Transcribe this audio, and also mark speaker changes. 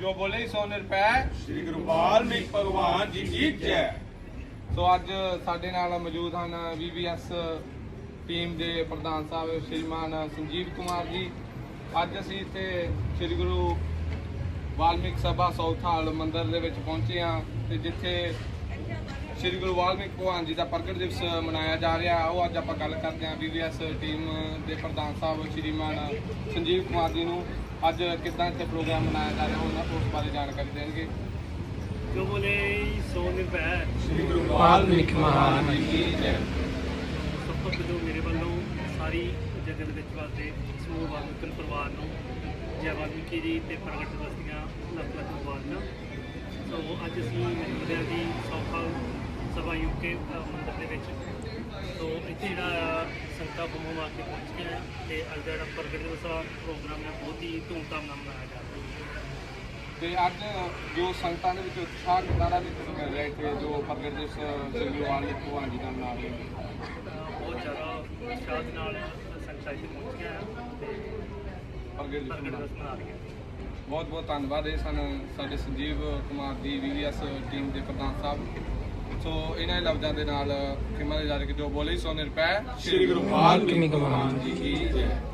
Speaker 1: ਜੋ ਬੋਲੇ ਸੋ ਨਿਰਭੈ।
Speaker 2: श्री गुरु वाल्मीकि भगवान जी की जय।
Speaker 1: ਸੋ ਅੱਜ ਸਾਡੇ ਨਾਲ ਮੌਜੂਦ ਹਨ VVS ਟੀਮ ਦੇ ਪ੍ਰਧਾਨ ਸਾਹਿਬ ਸ਼੍ਰੀਮਾਨ ਸੰਜੀਵ ਕੁਮਾਰ ਜੀ। ਅੱਜ ਅਸੀਂ ਇੱਥੇ ਸ੍ਰੀ ਗੁਰੂ ਵਾਲਮੀਕ ਸਭਾ ਸੌਥਾਲ ਮੰਦਿਰ ਦੇ ਵਿੱਚ ਪਹੁੰਚੇ ਹਾਂ ਤੇ ਜਿੱਥੇ ਸ੍ਰੀ ਗੁਰੂ ਵਾਲਮੀਕ ਭਗਵਾਨ ਜੀ ਦਾ ਪ੍ਰਗਟ ਦਿਵਸ ਮਨਾਇਆ ਜਾ ਰਿਹਾ। ਉਹ ਅੱਜ ਆਪਾਂ ਗੱਲ ਕਰਦੇ ਹਾਂ VVS ਟੀਮ ਦੇ ਪ੍ਰਧਾਨ ਸਾਹਿਬ ਸ਼੍ਰੀਮਾਨ ਸੰਜੀਵ ਕੁਮਾਰ ਜੀ ਨੂੰ। ਅੱਜ ਕਿੱਦਾਂ ਇੱਥੇ ਪ੍ਰੋਗਰਾਮ ਮਨਾਇਆ ਜਾ ਰਿਹਾ ਉਹਨਾਂ ਉਸ ਬਾਰੇ ਜਾਣਕਾਰੀ ਦੇਣਗੇ।
Speaker 3: ਜੋ ਬੋਲੇ ਸੋ ਨਿਰਭੈ।
Speaker 2: श्री गुरु
Speaker 1: ਵਾਲਮੀਕ ਮਹਾਰਾਜ ਜੀ ਕੀ ਜੈ।
Speaker 3: ਸਭ ਤੋਂ ਪਹਿਲਾਂ ਮੇਰੇ ਵੱਲੋਂ ਸਾਰੀ ਜਗਤ ਵਿੱਚ ਵਾਸਤੇ ਸਮੂਹ ਵਾਲਮੀਕ ਪਰਿਵਾਰ ਨੂੰ ਜੈ ਵਾਲਮੀਕੀ ਜੀ ਤੇ ਪ੍ਰਗਟ ਦਿਵਸ ਦੀਆਂ ਲੱਖ ਲੱਖ ਮੁਬਾਰਕਾਂ। ਸੋ ਅੱਜ ਅਸੀਂ ਮਿਲਦੇ ਹਾਂ ਜੀ ਸੌਥਾਲ ਸਭਾ ਯੂਕੇ ਮੰਦਿਰ ਦੇ ਵਿੱਚ। ਸੋ ਇੱਥੇ ਜਿਹੜਾ ਸੰਗਤਾਂ ਬੰਮੋਂ ਆ ਕੇ ਪਹੁੰਚ ਗਏ ਤੇ ਅੱਜ ਦਾ ਜਿਹੜਾ ਪ੍ਰਗਟ ਦਿਵਸ ਦਾ ਪ੍ਰੋਗਰਾਮ ਹੈ ਬਹੁਤ ਹੀ ਧੂਮਧਾਮ ਨਾਲ ਮਨਾਇਆ ਜਾ ਰਿਹਾ
Speaker 1: ਤੇ ਅੱਜ ਜੋ ਸੰਗਤਾਂ ਦੇ ਵਿੱਚ ਉਤਸ਼ਾਹ ਕਿੰਨਾ ਦਾ ਦੇਖਣ ਮਿਲ ਰਿਹਾ ਇੱਥੇ ਜੋ ਪ੍ਰਗਟ ਦਿਵਸ ਸ੍ਰੀ ਗੁਰੂ ਵਾਲਮੀਕ ਭਗਵਾਨ ਜੀ ਦਾ ਮਨਾ ਰਹੇ
Speaker 3: ਬਹੁਤ ਜ਼ਿਆਦਾ ਉਤਸ਼ਾਹ ਦੇ ਨਾਲ ਸੰਗਤਾਂ ਇੱਥੇ ਪਹੁੰਚੀਆਂ ਤੇ
Speaker 1: ਪ੍ਰਗਟ
Speaker 3: ਪ੍ਰਗਟ
Speaker 1: ਦਿਵਸ
Speaker 3: ਦਿਵਸ ਮਨਾ ਰਹੀਆਂ।
Speaker 1: ਬਹੁਤ ਬਹੁਤ ਧੰਨਵਾਦ ਇਹ ਸਨ ਸਾਡੇ ਸੰਜੀਵ ਕੁਮਾਰ ਦੀ VVS ਟੀਮ ਦੇ ਪ੍ਰਧਾਨ ਸਾਹਿਬ। ਸੋ ਇਹਨਾਂ ਦੇ ਲਫ਼ਜ਼ਾਂ ਦੇ ਨਾਲ ਖਿਮਾ ਦੇ ਜਾ ਕੇ ਜੋ ਬੋਲੇ ਸੋ ਨਿਰਭੈ।
Speaker 2: श्री गुरु वाल्मीकि भगवान जी की जय।